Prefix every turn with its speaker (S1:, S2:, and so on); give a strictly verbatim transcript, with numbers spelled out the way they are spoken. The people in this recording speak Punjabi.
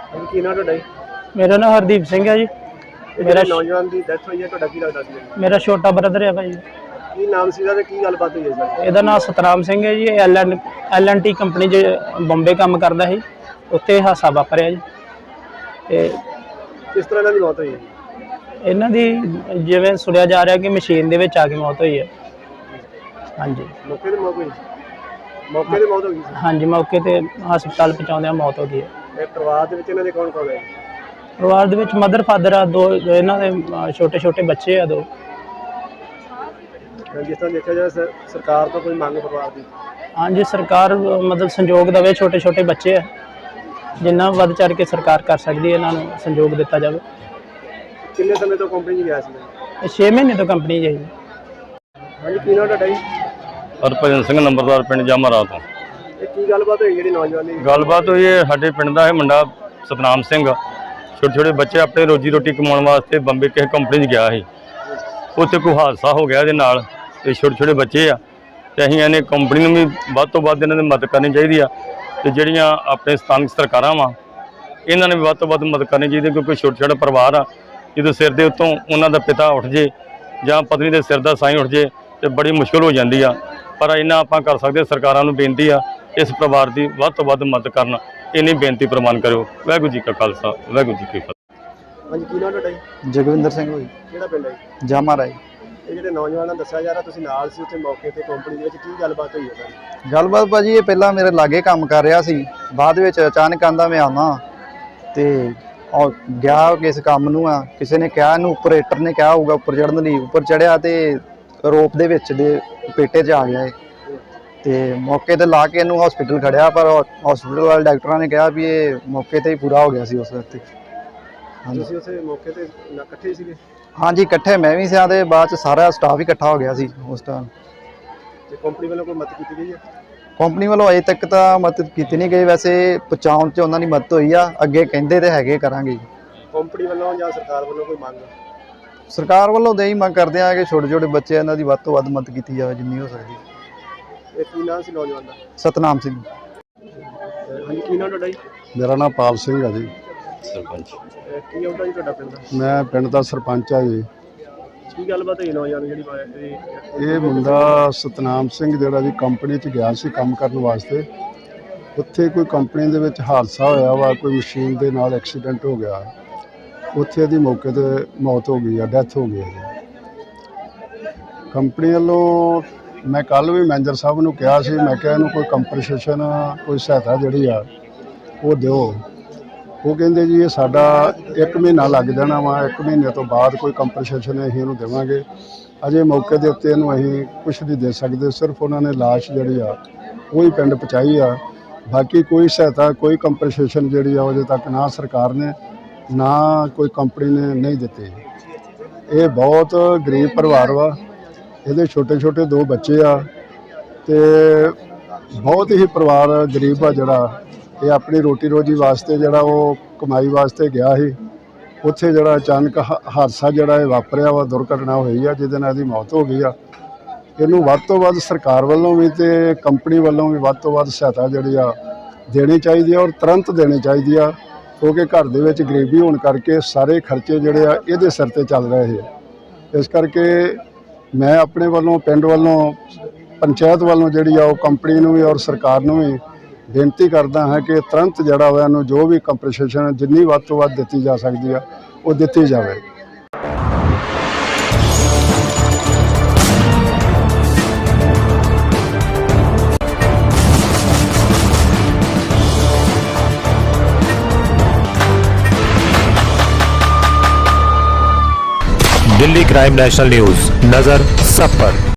S1: ਕੀ ਨਾਮ ਤੁਹਾਡਾ ਜੀ?
S2: मेरा नाम हरदीप सिंह है जी।
S1: ਮੇਰਾ ਨੌਜਵਾਨ ਦੀ ਡੈਥ ਹੋਈ ਹੈ, ਤੁਹਾਡਾ ਕੀ ਲੱਗਦਾ ਸੀ?
S2: मेरा छोटा ब्रदर है भाई।
S1: ਕੀ ਨਾਮ ਸੀ ਤੇ ਕੀ ਗੱਲਬਾਤ ਹੋਈ ਹੈ ਸਰ?
S2: ਇਹਦਾ ਨਾਮ ਸਤਨਾਮ ਸਿੰਘ ਹੈ ਜੀ। L N L N T company 'ਚ ਬੰਬੇ ਕੰਮ ਕਰਦਾ ਸੀ, ਉੱਥੇ ਹਾਦਸਾ ਵਾਪਰਿਆ ਜੀ। ਤੇ
S1: ਕਿਸ ਤਰ੍ਹਾਂ ਇਹਨਾਂ ਦੀ ਮੌਤ ਹੋਈ ਹੈ?
S2: ਇਹਨਾਂ ਦੀ ਜਿਵੇਂ ਸੁਣਿਆ ਜਾ ਰਿਹਾ ਕਿ ਮਸ਼ੀਨ ਦੇ ਵਿੱਚ ਆ ਕੇ ਮੌਤ ਹੋਈ ਹੈ। ਹਾਂਜੀ
S1: ਮੌਕੇ ਤੇ ਮੌਤ ਹੋਈ? ਮੌਕੇ ਤੇ ਮੌਤ ਹੋ ਗਈ ਸੀ?
S2: ਹਾਂਜੀ, ਮੌਕੇ ਤੇ ਹਸਪਤਾਲ ਪਹੁੰਚਾਉਂਦਿਆਂ ਮੌਤ ਹੋ ਗਈ ਹੈ।
S1: ਇਹ ਪਰਿਵਾਰ ਦੇ ਵਿੱਚ ਇਹਨਾਂ ਦੇ ਕੌਣ ਕੌਣ ਹੈ?
S2: ਪਰਿਵਾਰ ਦੇ ਵਿੱਚ ਮਦਰ ਫਾਦਰ ਆ, ਦੋ ਇਹਨਾਂ ਦੇ ਛੋਟੇ ਛੋਟੇ ਬੱਚੇ ਆ ਦੋ।
S1: ਜਿਸ ਤਰ੍ਹਾਂ ਦੇਖਿਆ ਜਾਏ ਸਰ, ਸਰਕਾਰ ਤੋਂ ਕੋਈ ਮੰਗ ਪਰਿਵਾਰ ਦੀ?
S2: ਹਾਂਜੀ, ਸਰਕਾਰ ਮਤਲਬ ਸੰਯੋਗ ਦੇਵੇ। ਛੋਟੇ ਛੋਟੇ ਬੱਚੇ ਆ, ਜਿੰਨਾ ਵੱਧ ਚੜ੍ਹ ਕੇ ਸਰਕਾਰ ਕਰ ਸਕਦੀ ਹੈ ਇਹਨਾਂ ਨੂੰ ਸੰਯੋਗ ਦਿੱਤਾ ਜਾਵੇ।
S1: ਕਿੰਨੇ ਸਮੇਂ ਤੋਂ ਕੰਪਨੀ 'ਚ ਗਿਆ ਸੀ?
S2: ਇਹ ਛੇ ਮਹੀਨੇ ਤੋਂ ਕੰਪਨੀ 'ਚ ਹੈ ਜੀ।
S1: ਹਾਂਜੀ, ਕੀ ਨਾਮ ਤੁਹਾਡਾ ਜੀ?
S3: ਹਰਭਜਨ ਸਿੰਘ ਨੰਬਰਦਾਰ ਪਿੰਡ ਜਾਮਰਾ ਤੋਂ।
S1: ਇਹ ਕੀ ਗੱਲਬਾਤ ਹੋਈ ਜਿਹੜੀ ਨੌਜਵਾਨ ਦੀ?
S3: ਗੱਲਬਾਤ ਹੋਈ ਹੈ, ਸਾਡੇ ਪਿੰਡ ਦਾ ਇਹ ਮੁੰਡਾ ਸਤਨਾਮ ਸਿੰਘ ਛੋਟੇ ਛੋਟੇ ਬੱਚੇ ਆਪਣੇ ਰੋਜੀ ਰੋਟੀ ਕਮਾਉਣ ਵਾਸਤੇ ਬੰਬੇ ਕਿਸੇ ਕੰਪਨੀ 'ਚ ਗਿਆ ਸੀ। ਉੱਥੇ ਕੋਈ ਹਾਦਸਾ ਹੋ ਗਿਆ ਇਹਦੇ ਨਾਲ, ਤੇ ਛੋਟੇ ਛੋਟੇ ਬੱਚੇ ਆ, ਤੇ ਅਸੀਂ ਇਹਨੇ ਕੰਪਨੀ ਨੂੰ ਵੀ ਵੱਧ ਤੋਂ ਵੱਧ ਇਹਨਾਂ ਦੀ ਮਦਦ ਕਰਨੀ ਚਾਹੀਦੀ ਆ, ਤੇ ਜਿਹੜੀਆਂ ਆਪਣੇ ਸਥਾਨਕ ਸਰਕਾਰਾਂ ਵਾ ਇਹਨਾਂ ਨੇ ਵੀ ਵੱਧ ਤੋਂ ਵੱਧ ਮਦਦ ਕਰਨੀ ਚਾਹੀਦੀ, ਕਿਉਂਕਿ ਛੋਟੇ ਛੋਟੇ ਪਰਿਵਾਰ ਆ, ਜਦੋਂ ਸਿਰ ਦੇ ਉੱਤੋਂ ਉਹਨਾਂ ਦਾ ਪਿਤਾ ਉੱਠ ਜੇ ਜਾਂ ਪਤਨੀ ਦੇ ਸਿਰ ਦਾ ਸਾਈਂ ਉੱਠ ਜੇ ਤੇ ਬੜੀ ਮੁਸ਼ਕਲ ਹੋ ਜਾਂਦੀ ਆ। ਪਰ ਇਹਨਾਂ ਆਪਾਂ ਕਰ ਸਕਦੇ, ਸਰਕਾਰਾਂ ਨੂੰ ਬੇਨਤੀ ਆ ਇਸ ਪਰਿਵਾਰ ਦੀ ਵੱਧ ਤੋਂ ਵੱਧ ਮਦਦ ਕਰਨ, ਇੰਨੀ ਬੇਨਤੀ ਪ੍ਰਵਾਨ ਕਰਿਓ। ਵਾਹਿਗੁਰੂ ਜੀ ਕਾ ਖਾਲਸਾ, ਵਾਹਿਗੁਰੂ ਜੀ ਕੀ ਫਤਿਹ।
S1: ਹਾਂਜੀ, ਕੀ ਨਾਮ ਤੁਹਾਡਾ ਜੀ?
S4: ਜਗਵਿੰਦਰ ਸਿੰਘ ਹੋਈ,
S1: ਕਿਹੜਾ ਪਿੰਡ ਹੈ ਜੀ?
S4: ਜਾਮਾ ਰਾਏ।
S1: ਇਹ ਜਿਹੜੇ ਨੌਜਵਾਨਾਂ ਦੱਸਿਆ ਜਾ ਰਿਹਾ ਤੁਸੀਂ ਨਾਲ ਸੀ ਉੱਥੇ ਮੌਕੇ ਤੇ ਕੰਪਨੀ ਦੇ ਵਿੱਚ, ਕੀ ਗੱਲਬਾਤ ਹੋਈ ਹੈ ਸਰ?
S4: ਗੱਲਬਾਤ ਭਾਜੀ ਇਹ ਪਹਿਲਾਂ ਮੇਰੇ ਲਾਗੇ ਕੰਮ ਕਰ ਰਿਹਾ ਸੀ, ਬਾਅਦ ਵਿੱਚ ਅਚਾਨਕ ਆਂਦਾ ਮੈਂ ਆਵਾਂ ਤੇ ਉਹ ਗਿਆ ਕਿਸ ਕੰਮ ਨੂੰ ਆ, ਕਿਸੇ ਨੇ ਕਿਹਾ ਇਹਨੂੰ ਆਪਰੇਟਰ ਨੇ ਕਿਹਾ ਹੋਊਗਾ ਉੱਪਰ ਚੜ੍ਹਨ ਲਈ, ਉੱਪਰ ਚੜਿਆ ਤੇ ਰੋਪ ਦੇ ਵਿੱਚ ਦੇ ਪੇਟੇ 'ਚ ਆ ਗਿਆ ਇਹ, ਤੇ ਮੌਕੇ ਤੇ ਲਾ ਕੇ ਇਹਨੂੰ ਹਸਪੀਟਲ ਖੜਿਆ, ਪਰ ਹਸਪੀਟਲ ਵਾਲੇ ਡਾਕਟਰਾਂ ਨੇ ਕਿਹਾ ਵੀ ਇਹ ਮੌਕੇ ਤੇ ਹੀ ਪੂਰਾ ਹੋ ਗਿਆ ਸੀ ਉਸ ਵਕਤ। ਹਾਂਜੀ,
S1: ਤੁਸੀਂ ਉਸੇ ਮੌਕੇ ਤੇ ਨਾ ਇਕੱਠੇ ਸੀਗੇ?
S4: ਹਾਂਜੀ ਇਕੱਠੇ ਮੈਂ ਵੀ ਸਿਆ, ਤੇ ਬਾਅਦ 'ਚ ਸਾਰਾ ਸਟਾਫ ਹੀ ਇਕੱਠਾ ਹੋ ਗਿਆ ਸੀ ਉਸ ਟਾਈਮ।
S1: ਤੇ ਕੰਪਨੀ ਵੱਲੋਂ ਕੋਈ ਮਦਦ ਕੀਤੀ ਗਈ ਹੈ?
S4: ਕੰਪਨੀ ਵੱਲੋਂ ਅਜੇ ਤੱਕ ਤਾਂ ਮਦਦ ਕੀਤੀ ਨਹੀਂ ਗਈ, ਵੈਸੇ ਪਹੁੰਚਾਉਣ 'ਚ ਉਹਨਾਂ ਦੀ ਮਦਦ ਹੋਈ ਆ, ਅੱਗੇ ਕਹਿੰਦੇ ਤੇ ਹੈਗੇ ਕਰਾਂਗੇ।
S1: ਕੰਪਨੀ ਵੱਲੋਂ ਜਾਂ ਸਰਕਾਰ ਵੱਲੋਂ ਕੋਈ ਮੰਗ?
S4: ਸਰਕਾਰ ਵੱਲੋਂ ਦੇ ਹੀ ਮੰਗ ਕਰਦੇ ਆ ਕਿ ਛੋਟੇ ਛੋਟੇ ਬੱਚੇ ਇਹਨਾਂ ਦੀ ਵੱਧ ਤੋਂ ਵੱਧ ਮਦਦ ਕੀਤੀ ਜਾਵੇ ਜਿੰਨੀ ਹੋ ਸਕਦੀ।
S1: ਇਹ ਕੀ ਨਾਮ ਸੀ ਨੌਜਵਾਨ ਦਾ?
S4: ਸਤਨਾਮ ਸਿੰਘ।
S1: ਹਾਂਜੀ, ਕੀ ਨਾਮ ਤੁਹਾਡਾ ਜੀ?
S5: ਮੇਰਾ ਨਾਮ ਪਾਲ ਸਿੰਘ ਹੈ ਜੀ।
S3: ਸਰਪੰਚ
S1: ਇਹ ਕੀ ਆਉਂਦਾ ਜੀ ਤੁਹਾਡਾ ਪਿੰਡ ਦਾ?
S5: ਮੈਂ ਪਿੰਡ ਦਾ ਸਰਪੰਚ ਆ ਜੀ।
S1: ਕੀ ਗੱਲਬਾਤ ਹੋਈ ਨੌਜਵਾਨ ਜਿਹੜੀ ਇਹ-
S5: ਇਹ ਮੁੰਡਾ ਸਤਨਾਮ ਸਿੰਘ ਜਿਹੜਾ ਜੀ ਕੰਪਨੀ 'ਚ ਗਿਆ ਸੀ ਕੰਮ ਕਰਨ ਵਾਸਤੇ, ਉੱਥੇ ਕੋਈ ਕੰਪਨੀ ਦੇ ਵਿੱਚ ਹਾਦਸਾ ਹੋਇਆ ਵਾ, ਕੋਈ ਮਸ਼ੀਨ ਦੇ ਨਾਲ ਐਕਸੀਡੈਂਟ ਹੋ ਗਿਆ, ਉੱਥੇ ਦੀ ਮੌਕੇ ਤੇ ਮੌਤ ਹੋ ਗਈ ਆ, ਡੈਥ ਹੋ ਗਈ ਹੈ। ਕੰਪਨੀ ਵੱਲੋਂ ਮੈਂ ਕੱਲ੍ਹ ਵੀ ਮੈਨੇਜਰ ਸਾਹਿਬ ਨੂੰ ਕਿਹਾ ਸੀ, ਮੈਂ ਕਿਹਾ ਇਹਨੂੰ ਕੋਈ ਕੰਪਨਸੇਸ਼ਨ ਕੋਈ ਸਹਾਇਤਾ ਜਿਹੜੀ ਆ ਉਹ ਦਿਓ। ਉਹ ਕਹਿੰਦੇ ਜੀ ਇਹ ਸਾਡਾ ਇੱਕ ਮਹੀਨਾ ਲੱਗ ਜਾਣਾ ਵਾ, ਇੱਕ ਮਹੀਨੇ ਤੋਂ ਬਾਅਦ ਕੋਈ ਕੰਪਨਸੇਸ਼ਨ ਅਸੀਂ ਇਹਨੂੰ ਦੇਵਾਂਗੇ। ਅਜੇ ਮੌਕੇ ਦੇ ਉੱਤੇ ਇਹਨੂੰ ਅਸੀਂ ਕੁਛ ਨਹੀਂ ਦੇ ਸਕਦੇ, ਸਿਰਫ ਉਹਨਾਂ ਨੇ ਲਾਸ਼ ਜਿਹੜੀ ਆ ਉਹ ਹੀ ਪਿੰਡ ਪਹੁੰਚਾਈ ਆ, ਬਾਕੀ ਕੋਈ ਸਹਾਇਤਾ ਕੋਈ ਕੰਪਨਸੇਸ਼ਨ ਜਿਹੜੀ ਆ ਅਜੇ ਤੱਕ ਨਾ ਸਰਕਾਰ ਨੇ ਨਾ ਕੋਈ ਕੰਪਨੀ ਨੇ ਨਹੀਂ ਦਿੱਤੀ। ਇਹ ਬਹੁਤ ਗਰੀਬ ਪਰਿਵਾਰ ਵਾ, ਇਹਦੇ ਛੋਟੇ ਛੋਟੇ ਦੋ ਬੱਚੇ ਆ, ਤੇ ਬਹੁਤ ਹੀ ਪਰਿਵਾਰ ਗਰੀਬ ਆ ਜਿਹੜਾ ਇਹ ਆਪਣੀ ਰੋਟੀ ਰੋਜੀ ਵਾਸਤੇ ਜਿਹੜਾ ਉਹ ਕਮਾਈ ਵਾਸਤੇ ਗਿਆ ਸੀ, ਉੱਥੇ ਜਿਹੜਾ ਅਚਾਨਕ ਹਾਦਸਾ ਜਿਹੜਾ ਇਹ ਵਾਪਰਿਆ ਵਾ, ਦੁਰਘਟਨਾ ਹੋਈ ਆ ਜਿਹਦੇ ਨਾਲ ਇਹਦੀ ਮੌਤ ਹੋ ਗਈ ਆ। ਇਹਨੂੰ ਵੱਧ ਤੋਂ ਵੱਧ ਸਰਕਾਰ ਵੱਲੋਂ ਵੀ ਤੇ ਕੰਪਨੀ ਵੱਲੋਂ ਵੀ ਵੱਧ ਤੋਂ ਵੱਧ ਸਹਾਇਤਾ ਜਿਹੜੀ ਆ ਦੇਣੀ ਚਾਹੀਦੀ ਆ, ਔਰ ਤੁਰੰਤ ਦੇਣੀ ਚਾਹੀਦੀ ਆ, ਕਿਉਂਕਿ ਘਰ ਦੇ ਵਿੱਚ ਗਰੀਬੀ ਹੋਣ ਕਰਕੇ ਸਾਰੇ ਖਰਚੇ ਜਿਹੜੇ ਆ ਇਹਦੇ ਸਿਰ ਤੇ ਚੱਲ ਰਹੇ ਆ। ਇਸ ਕਰਕੇ ਮੈਂ ਆਪਣੇ ਵੱਲੋਂ ਪਿੰਡ ਵੱਲੋਂ ਪੰਚਾਇਤ ਵੱਲੋਂ ਜਿਹੜੀ ਆ ਉਹ ਕੰਪਨੀ ਨੂੰ ਵੀ ਔਰ ਸਰਕਾਰ ਨੂੰ ਵੀ ਬੇਨਤੀ ਕਰਦਾ ਹਾਂ ਕਿ ਤੁਰੰਤ ਜਿਹੜਾ ਵਾ ਇਹਨੂੰ ਜੋ ਵੀ ਕੰਪਨਸੇਸ਼ਨ ਜਿੰਨੀ ਵੱਧ ਤੋਂ ਵੱਧ ਦਿੱਤੀ ਜਾ ਸਕਦੀ ਆ ਉਹ ਦਿੱਤੀ ਜਾਵੇ।
S6: दिल्ली क्राइम नेशनल न्यूज, नजर सब पर।